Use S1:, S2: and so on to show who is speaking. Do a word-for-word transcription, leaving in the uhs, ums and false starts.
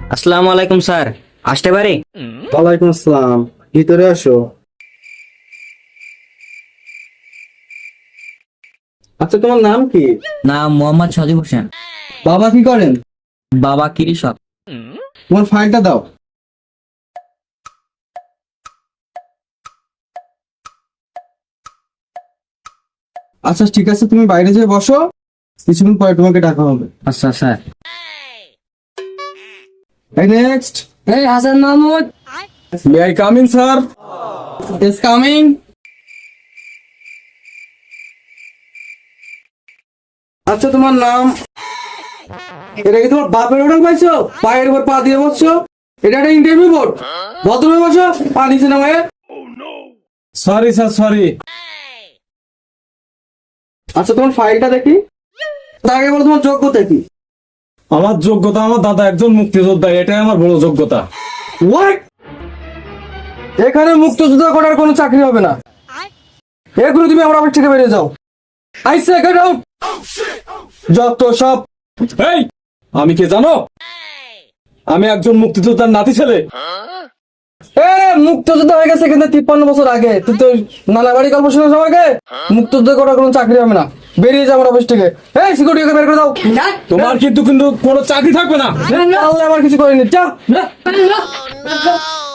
S1: আসসালামু আলাইকুম স্যার, আসতে পারি?
S2: ওয়ালাইকুম আসসালাম, ভিতরে আসো। আচ্ছা, তোমার নাম কি?
S1: নাম মোহাম্মদ সাজিব হোসেন।
S2: বাবা কি করেন?
S1: বাবা কৃষক।
S2: তোমার ফাইলটা দাও। আচ্ছা ঠিক আছে, তুমি বাইরে যেয়ে বসো, কিছুক্ষণ পরে তোমাকে ডাকা হবে।
S1: আচ্ছা স্যার।
S2: এই নেক্সট।
S1: এই Hasan Mahmud.
S2: May I come in sir? Is coming. আচ্ছা, তোমার নাম? এটা কি তোমার বাপের হোটেল পাইছো? পায়ের উপর পা দিয়ে বসছো? এটা একটা ইন্টারভিউ বোর্ড। ভদ্রভাবে বসো, পা নিচে নামায়ে। Sorry sir, sorry. আচ্ছা, তোমার ফাইলটা দেখি। তার আগে বলো তোমার যোগ্যতা কি?
S3: আমার যোগ্যতা, আমার দাদা একজন মুক্তিযোদ্ধা, এটাই আমার বড় যোগ্যতা।
S2: হোয়াট? এখানে মুক্তযোদ্ধা করার কোনো চাকরি হবে না। এগুলো তুমি আমার অফিস থেকে বেরিয়ে যাও। I say get out. যত সব।
S3: এই, আমি কে জানো? আমি একজন মুক্তিযোদ্ধার নাতি ছেলে।
S2: এ মুক্তযোদ্ধা হয়ে গেছে কিন্তু তিপ্পান্ন বছর আগে। তুই তো নানা বাড়ি গল্প শুনে সবাইকে। মুক্তযোদ্ধা করার কোনো চাকরি হবে না, বেরিয়ে যাও আমার অফিস থেকে। এই সিকিউরিটিকে বের করে দাও।
S3: তোমার কিন্তু কিন্তু কোনো চাকরি থাকবে না।
S2: আল্লাহ আমার কিছু করেনি, যা।